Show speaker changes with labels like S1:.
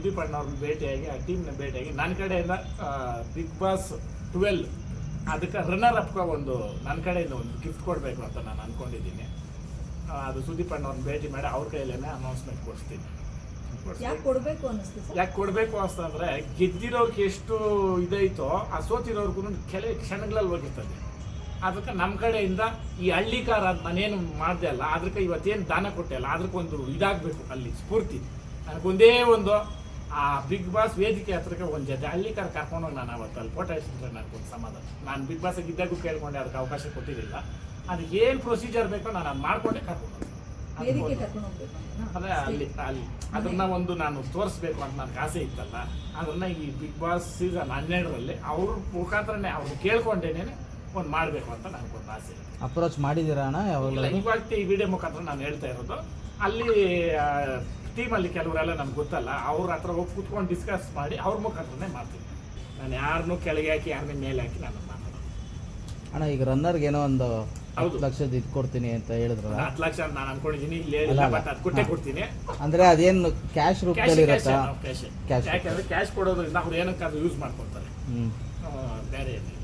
S1: ಸುದೀಪ್ ಅಣ್ಣವ್ರನ್ನ ಭೇಟಿಯಾಗಿ ಆ ಟೀಮ್ನ ಭೇಟಿಯಾಗಿ ನನ್ನ ಕಡೆಯಿಂದ ಬಿಗ್ ಬಾಸ್ 12 ಅದಕ್ಕೆ ರನ್ನರ್ ಅಪ್ಗೆ ಒಂದು ನನ್ನ ಕಡೆಯಿಂದ ಒಂದು ಗಿಫ್ಟ್ ಕೊಡಬೇಕು ಅಂತ ನಾನು ಅಂದ್ಕೊಂಡಿದ್ದೀನಿ. ಅದು ಸುದೀಪ್ ಅಣ್ಣವ್ರನ್ನ ಭೇಟಿ ಮಾಡಿ ಅವ್ರ ಕೈಯಲ್ಲೇ ಅನೌನ್ಸ್ಮೆಂಟ್ ಕೊಡಿಸ್ತೀನಿ.
S2: ಯಾಕೆ ಕೊಡಬೇಕು ಅನ್ನಿಸ್ತು?
S1: ಯಾಕೆ ಕೊಡಬೇಕು ಅಂತಂದರೆ ಗೆದ್ದಿರೋರ್ಗೆ ಎಷ್ಟು ಇದೈತೋ ಆ ಸೋತಿರೋರ್ಗು ಕೆಲವು ಕ್ಷಣಗಳಲ್ಲಿ ಹೋಗಿರ್ತದೆ. ಅದಕ್ಕೆ ನಮ್ಮ ಕಡೆಯಿಂದ ಈ ಹಳ್ಳಿಕಾರ ನಾನೇನು ಮಾಡಿದೆ ಅಲ್ಲ, ಅದಕ್ಕೆ ಇವತ್ತೇನು ದಾನ ಕೊಟ್ಟೆ ಅಲ್ಲ, ಅದಕ್ಕೊಂದು ಇದಾಗಬೇಕು ಅಲ್ಲಿ ಸ್ಫೂರ್ತಿ. ನನಗೊಂದೇ ಒಂದು ಆ ಬಿಗ್ ಬಾಸ್ ವೇದಿಕೆ ಹತ್ರಕ್ಕೆ ಒಂದು ಜೊತೆ ಹಳ್ಳಿಕಾರ ಕರ್ಕೊಂಡೋಗಿ ನಾನು ಅವತ್ತು ಅಲ್ಲಿ ಫೋಟೋ ಇಟ್ಟಿದ್ರೆ ನನಗೊಂದು ಸಮಾಧಾನ. ನಾನು ಬಿಗ್ ಬಾಸಿಗೆ ಇದ್ದಾಗೂ ಕೇಳ್ಕೊಂಡೆ, ಅದಕ್ಕೆ ಅವಕಾಶ ಕೊಟ್ಟಿರಲಿಲ್ಲ. ಅದಕ್ಕೆ ಏನು ಪ್ರೊಸೀಜರ್ ಬೇಕೋ ನಾನು ಅದು ಮಾಡಿಕೊಂಡೆ ಕರ್ಕೊಂಡು ಅದೇ ಅಲ್ಲಿ ಅದನ್ನ ಒಂದು ನಾನು ತೋರಿಸ್ಬೇಕು ಅಂತ ನನಗೆ ಆಸೆ ಇತ್ತಲ್ಲ, ಅದನ್ನ ಈ ಬಿಗ್ ಬಾಸ್ ಸೀಸನ್ 12ರಲ್ಲಿ ಅವ್ರ ಮುಖಾಂತರನೇ ಅವ್ರು ಕೇಳ್ಕೊಂಡೇನೆ ಒಂದು ಮಾಡಬೇಕು ಅಂತ ನನಗೊಂದು ಆಸೆ.
S3: ಅಪ್ರೋಚ್ ಮಾಡಿದ್ದೀರಾ ಅಣ್ಣ? ಯಾವಾಗಲೂ
S1: ಇವಾಗ ಈ ವಿಡಿಯೋ ಮುಖಾಂತರ ನಾನು ಹೇಳ್ತಾ ಇರೋದು. ಅಲ್ಲಿ ಟೀಮಲ್ಲಿ ಕೆಲವರೆಲ್ಲ ನಮ್ಗೆ ಗೊತ್ತಲ್ಲ, ಅವ್ರ ಹತ್ರ ಹೋಗಿ ಕೂತ್ಕೊಂಡು ಡಿಸ್ಕಸ್ ಮಾಡಿ ಅವ್ರ ಮುಖಾಂತರನೇ ಮಾಡ್ತೀನಿ. ನಾನು ಯಾರನ್ನೂ ಕೆಳಗೆ ಹಾಕಿ ಯಾರನ್ನೇ ಮೇಲೆ ಹಾಕಿ ನಾನು ಮಾತಾಡೋದು.
S3: ಅಣ್ಣ ಈಗ ರನ್ನರ್ಗೆ ಏನೋ ಒಂದು
S1: ಹೌದು
S3: 10 ಲಕ್ಷದ ಇದು ಕೊಡ್ತೀನಿ ಅಂತ ಹೇಳಿದ್ರಲ್ಲ,
S1: 10 ಲಕ್ಷ ಅಂತ ನಾನು ಅನ್ಕೊಂಡಿದ್ದೀನಿ. ಇಲ್ಲಿ ಹೇಳಿಲ್ಲ, ಬಟ್ ಅದು ಕೊಟ್ಟೆ ಕೊಡ್ತೀನಿ.
S3: ಅಂದ್ರೆ ಅದೇನು ಕ್ಯಾಶ್ ರೂಪದಲ್ಲಿ ಇರುತ್ತಾ?
S1: ಕ್ಯಾಶ್ ಯಾಕೆಂದ್ರೆ ಕ್ಯಾಶ್ ಕೊಡೋದ್ರಿಂದ ಅವ್ರು ಏನಕ್ಕಾದ್ರೂ ಯೂಸ್ ಮಾಡ್ಕೊತಾರೆ, ಬೇರೆ ಏನಿಲ್ಲ.